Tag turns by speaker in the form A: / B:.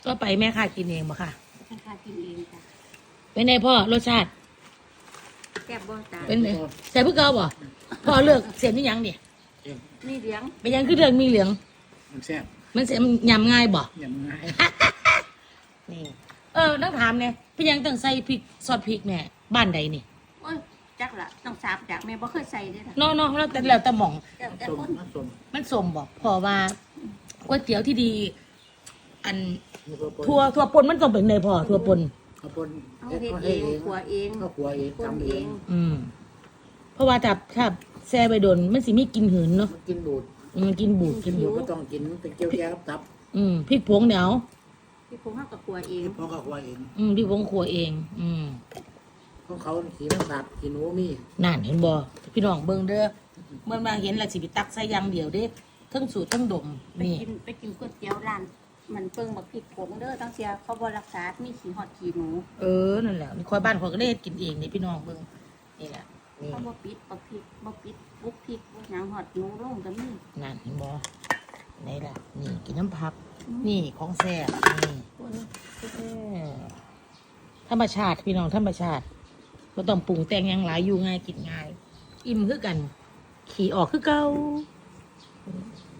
A: ก็ไปแม่ค่ะกินเองบ่ค่ะ
B: ให้ข้ากินเองจ้ะ
A: เป็นไงพ่อรสชาติ
B: แซ่บบ่ตา
A: เป็นไงใส่พวกเกาบ่พ่อเลือกเสียนนี่ยังเนี่ย
B: นี่เลี้ยง
A: เป็นยังคือเรื่องมีเหลือง
C: มันแซ่บ
A: มันเสียยำง่ายบ่
C: อย่างง่าย
A: นี่ต้องถามเนี่ยพี่ยังต้องใส่พริกซอสพริกเนี่ยบ้านใดนี่
B: โอ้ยจักละต้องสาบจากแม่บ่เคยใส่เด้อล่ะ
A: เนาะแล้วแต่หม่อง
B: แต่
C: ส้ม
B: คน
C: น้ำส้ม
A: มันสมบอกพอว่าก๋วยเตี๋ยวที่ดี อัน
C: มีข้าวปน
A: ทั่วปนมันต้องเป็นในพอทั่วปน
C: ข้าวปน
B: เอาเฮ็ดเองขัวเอง
C: ก็ขัวเอง
B: คน
C: ทำ
B: เอ
C: เอง
B: ง
A: เพราะว่าถ้าแซ่ไปโดนมันสิมีกลินหืนเนาะ
C: มันกินบูด
A: มันกินบูดกิน
C: บู
A: บู
C: ด
A: ด
C: ก็ต้องกินเป็นเกี๊ยวแย้กับตับ
A: พริกผงเดี๋ยว
B: พี่พงเฮาก็ขัวเอง
C: เพราะก็ขัวเอง
A: พริกผงขัวเอง
C: ของเขาสีมันสาบสีหนูมี
A: นั่นเห็นบ่พี่น้องเบิ่งเด้อเมื่อมาเห็นและสิไปตักใส่อยางเดียวเด้ทั้งสูตรทั้งดม
B: ไป
A: นี่
B: กินก๋วยเตี๋ยวร้านมันเปิ้งบักพริกผงเด้อตั้งเสียเขาบ่รักษามีขี้ฮอดขี้หนู
A: นั่นแหละนี่คอยบ้านคอยก็ได้เฮ็ดกินเองนี่พี่น้องเบิ่งนี่แหละนี่
B: เขาบ่ปิดบักพริกบ่ปิดบุกพริกบ่หยังฮอดหนูลงก็มี
A: นั่นเห็นบ่นี่แหละนี่กินน้ำผัก นี่ของแซ่บนี่
B: คน
A: ธรรมชาติพี่น้องธรรมชาติก็ต้องปรุงแต่งหยังหลายอยู่ง่ายกินง่าย อิ่มคือกัน ขี่ออกคือเก่า